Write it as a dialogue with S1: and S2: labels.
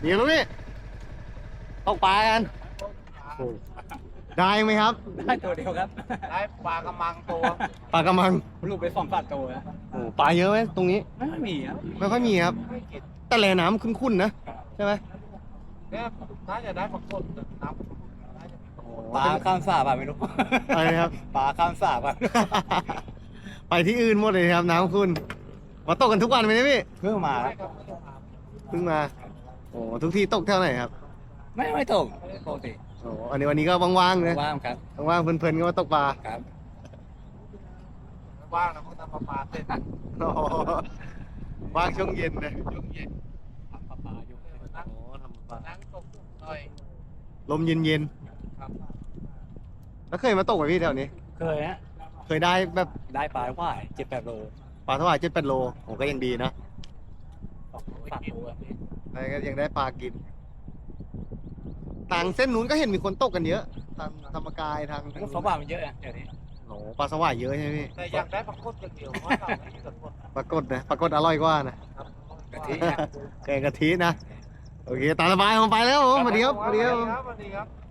S1: เดี๋ยวลูกพี่ตกปลากันโอ้ได้ไหมครับ
S2: ได้ตัวเดียวครับ
S3: ได้ปลากระมังตัว
S1: ปลากระมัง
S2: ลูกไป2-3ตัวนะ
S1: โอ้ปลาเยอะไหมตรงนี้
S2: ไม่มีครับ
S1: ไม่ค่อยมีครับ แต่แหล่น้ำคุ้นๆนะใช่ไหม
S3: เนี่ยน่าจะได้ปลากดน้ำ
S2: ปลาข้ามสาบไม่รู้
S1: อะไรนะครับ
S2: ปลาข้ามสาบ
S1: ไปที่อื่นหมดเลยครับน้ำคุณมาตกกันทุกวันไหมเนี่ยพี่
S2: เพิ่งมา
S3: ได้ครับ
S1: เพิ่งมาโอ้ทุกที่ตกเท่าไหร่ครับ
S2: ไม่ตกปกติ
S1: โอ้อันนี้วันนี้ก็ว่างๆเลย
S2: ว่างครับ
S1: ว่างๆเพลินๆก็มาตกปลา
S2: ครับ
S3: ว่างนะพวกทำปลาเสร็จ
S1: โอ้ว่างช่วงเย็นนะ
S3: ยุ่งเย็น
S2: ปลาอยู่
S3: นั่ง
S1: โอ้ทำปลา
S3: นั่งตกหน่อย
S1: ลมเย็น
S3: ครับ
S1: ๆแล้วเคยมาตกไหมพี่แถวนี้
S2: เคยฮะ
S1: เคยได้แบบ
S2: ได้ปลาว่าย7-8 โล
S1: ปลาเท่าไหร่7-8 โลโอ้ก็ยังดีนะ
S2: 3 ตัว
S1: แต่ก็ยังได้ปลากินทางเส้นนู้นก็เห็นมีคนตกกันเยอะทางธรรมกายทาง
S2: เขาว่ามันเยอะนะเดี๋ยวนี้
S1: โอ้ปลาสวายเยอะใช่ไหมพี่
S3: แต่อยากได้ปลากดอย่างเดียวเพราะเราไม่มีปลากด
S1: ปรากฏนะปรากฏอร่อยกว่านะ
S3: ครับ
S2: กะทินะ
S1: แกงกะทินะ โอเคตามสบายผมไปแล้วผมสวัสดีครับสวัสดีครับ
S3: สวัสดีครับ